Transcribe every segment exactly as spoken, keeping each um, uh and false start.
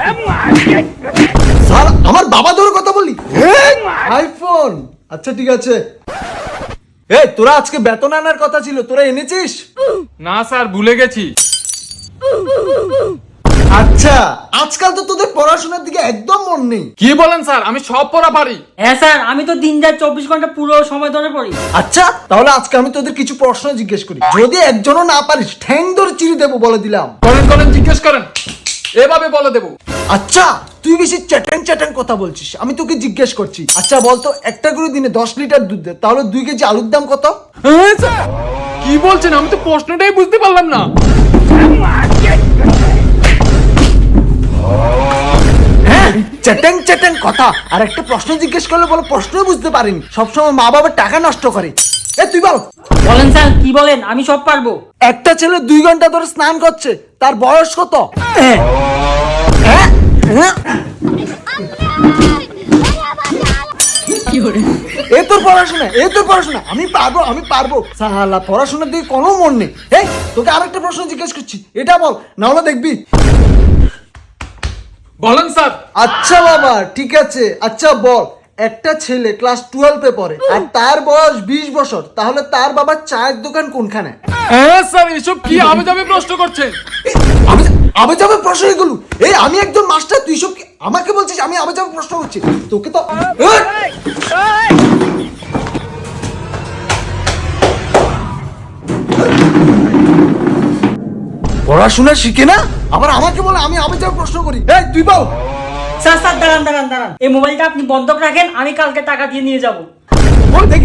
Sir আমার বাবা ধরে কথা বললি আইফোন। আচ্ছা ঠিক আছে, এই তোরা আজকে বেতন আনার কথা ছিল, তোরা এনেছিস? না স্যার, ভুলে গেছি। আচ্ছা, আজকাল তো তোদের পড়াশোনার দিকে একদম মন নেই। কি বলেন স্যার, আমি সব পড়া পারি। হ্যাঁ স্যার, আমি তো দিন রাত চব্বিশ ঘন্টা পুরো সময় ধরে পড়ি। আচ্ছা তাহলে আজকে আমি তোদের কিছু প্রশ্ন জিজ্ঞেস করি, যদি একজনও না পারিস ঠ্যাং ধরে চিড়ে দেবো বলে দিলাম। করেন করেন, জিজ্ঞেস করেন, এভাবে বলে দেবো। আচ্ছা তুই বেশি চ্যাটাং চ্যাটাং কথা বলছিস, আমি তোকে জিজ্ঞেস করছি। আচ্ছা বলতো, একটা করে দিনে দশ লিটার দুধ দেয়, তাহলে দুই কেজি আলুর দাম কত? হ্যাঁ স্যার, কি বলছেন, আমি তো প্রশ্নটাই বুঝতে পারলাম না। হ্যাঁ চ্যাটাং চ্যাটাং কথা, আর একটা প্রশ্ন জিজ্ঞেস করলে বলে প্রশ্নই বুঝতে পারিনি, সবসময় মা বাবার টাকা নষ্ট করে। এ তুই বল। বলেন স্যার, কি বলেন, আমি সব পারবো। একটা ছেলে দুই ঘন্টা ধরে স্নান করছে, তার বয়স কত? হ্যাঁ হ্যাঁ হ্যাঁ এ তোর পড়াশোনা, এ তোর পড়াশোনা, আমি পারবো আমি পারবো। সালা পড়াশোনার দিকে কোনো মন নেই। এই তোকে আরেকটা প্রশ্ন জিজ্ঞেস করছি, এটা বল, না হলে দেখবি। বলেন স্যার। আচ্ছা বাবা ঠিক আছে, আচ্ছা বল, একটা ছেলে ক্লাস টুয়েলভে পড়ে আর তার বয়স বিশ বছর, তাহলে তার বাবার চায়ের দোকান কোনখানে? হ্যাঁ স্যার, এসব কি আবে যাবে প্রশ্ন করছেন? আমি আবে যাবে প্রশ্ন এগুলো? এই আমি একজন মাস্টার, তুই সব কি আমাকে বলছিস আমি আবে যাবে প্রশ্ন করছি? তোকে তো পড়াশোনা শিখে না, আবার আমাকে বলে আমি আবে যাবে প্রশ্ন করি। এই তুই বল। স্যার স্যার দাঁড়ান দাঁড়ান দাঁড়ান, এই মোবাইলটা আপনি বন্ধক রাখেন, আমি কালকে টাকা দিয়ে নিয়ে যাব। বল দেখি।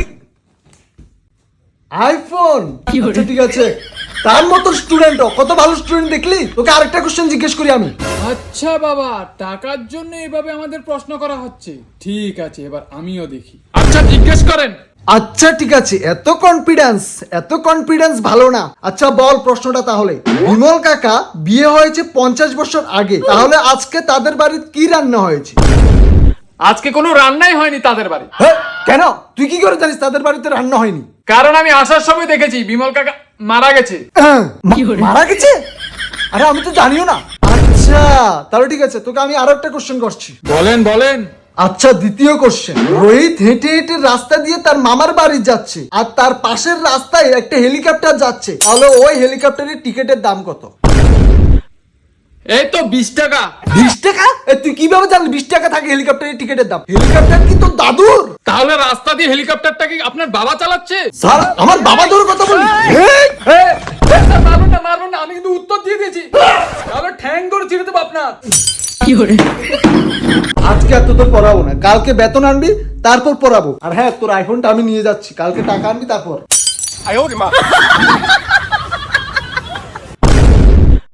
আইফোন। আচ্ছা ঠিক আছে, তার মতো স্টুডেন্ট, কত ভালো স্টুডেন্ট দেখলি। তোকে আরেকটা কোশ্চেন জিজ্ঞেস করি আমি। আচ্ছা বাবা, টাকার জন্য এভাবে আমাদের প্রশ্ন করা হচ্ছে, ঠিক আছে, এবার আমিও দেখি। আচ্ছা জিজ্ঞেস করেন। আচ্ছা ঠিক আছে, এত কনফিডেন্স, এত কনফিডেন্স ভালো না। আচ্ছা বল প্রশ্নটা তাহলে, বিমল কাকা বিয়ে হয়েছে পঞ্চাশ বছর আগে, তাহলে আজকে তাদের বাড়িতে কি রান্না হয়েছে? আজকে কোনো রান্নাই হয়নি তাদের বাড়ি। হ্যাঁ কেন, তুই কি করে জানিস তাদের বাড়িতে রান্না হয়নি? কারণ আমি আসার সময় দেখেছি বিমল কাকা মারা গেছে। হ্যাঁ, মা- মারা গেছে? আরে আমি তো জানিও না। আচ্ছা তাহলে ঠিক আছে, তোকে আমি আরো একটা কোশ্চেন করছি। বলেন বলেন। আচ্ছা দ্বিতীয় কোশ্চেন, রোহিত হেঁটে হেঁটে রাস্তা দিয়ে তার মামার বাড়ি যাচ্ছে, আর তার পাশের রাস্তায় একটা হেলিকপ্টার যাচ্ছে, তাহলে ওই হেলিকপ্টারের টিকিটের দাম কত? এই তো বিশ টাকা। বিশ টাকা? এ, তুই কিভাবে জানলি বিশ টাকা থাকে হেলিকপ্টারের টিকিটের দাম? হেলিকপ্টার কি তোর দাদুর? তাহলে রাস্তা দিয়ে হেলিকপ্টারটা কি আপনার বাবা চালাচ্ছে? স্যার আমার বাবা ধরে কথা বলি। এই, এই, স্যার, মারবেন না মারবেন না, আমি কিন্তু উত্তর দিয়ে দিয়েছি, তাহলে ঠ্যাং করে ছিঁড়ে দেবো আপনার। আজকে আর তোদের পড়াবো না, কালকে বেতন আনবি তারপর পড়াবো। আর হ্যাঁ, তোর আইফোনটা আমি নিয়ে যাচ্ছি, কালকে টাকা আনবি তারপর।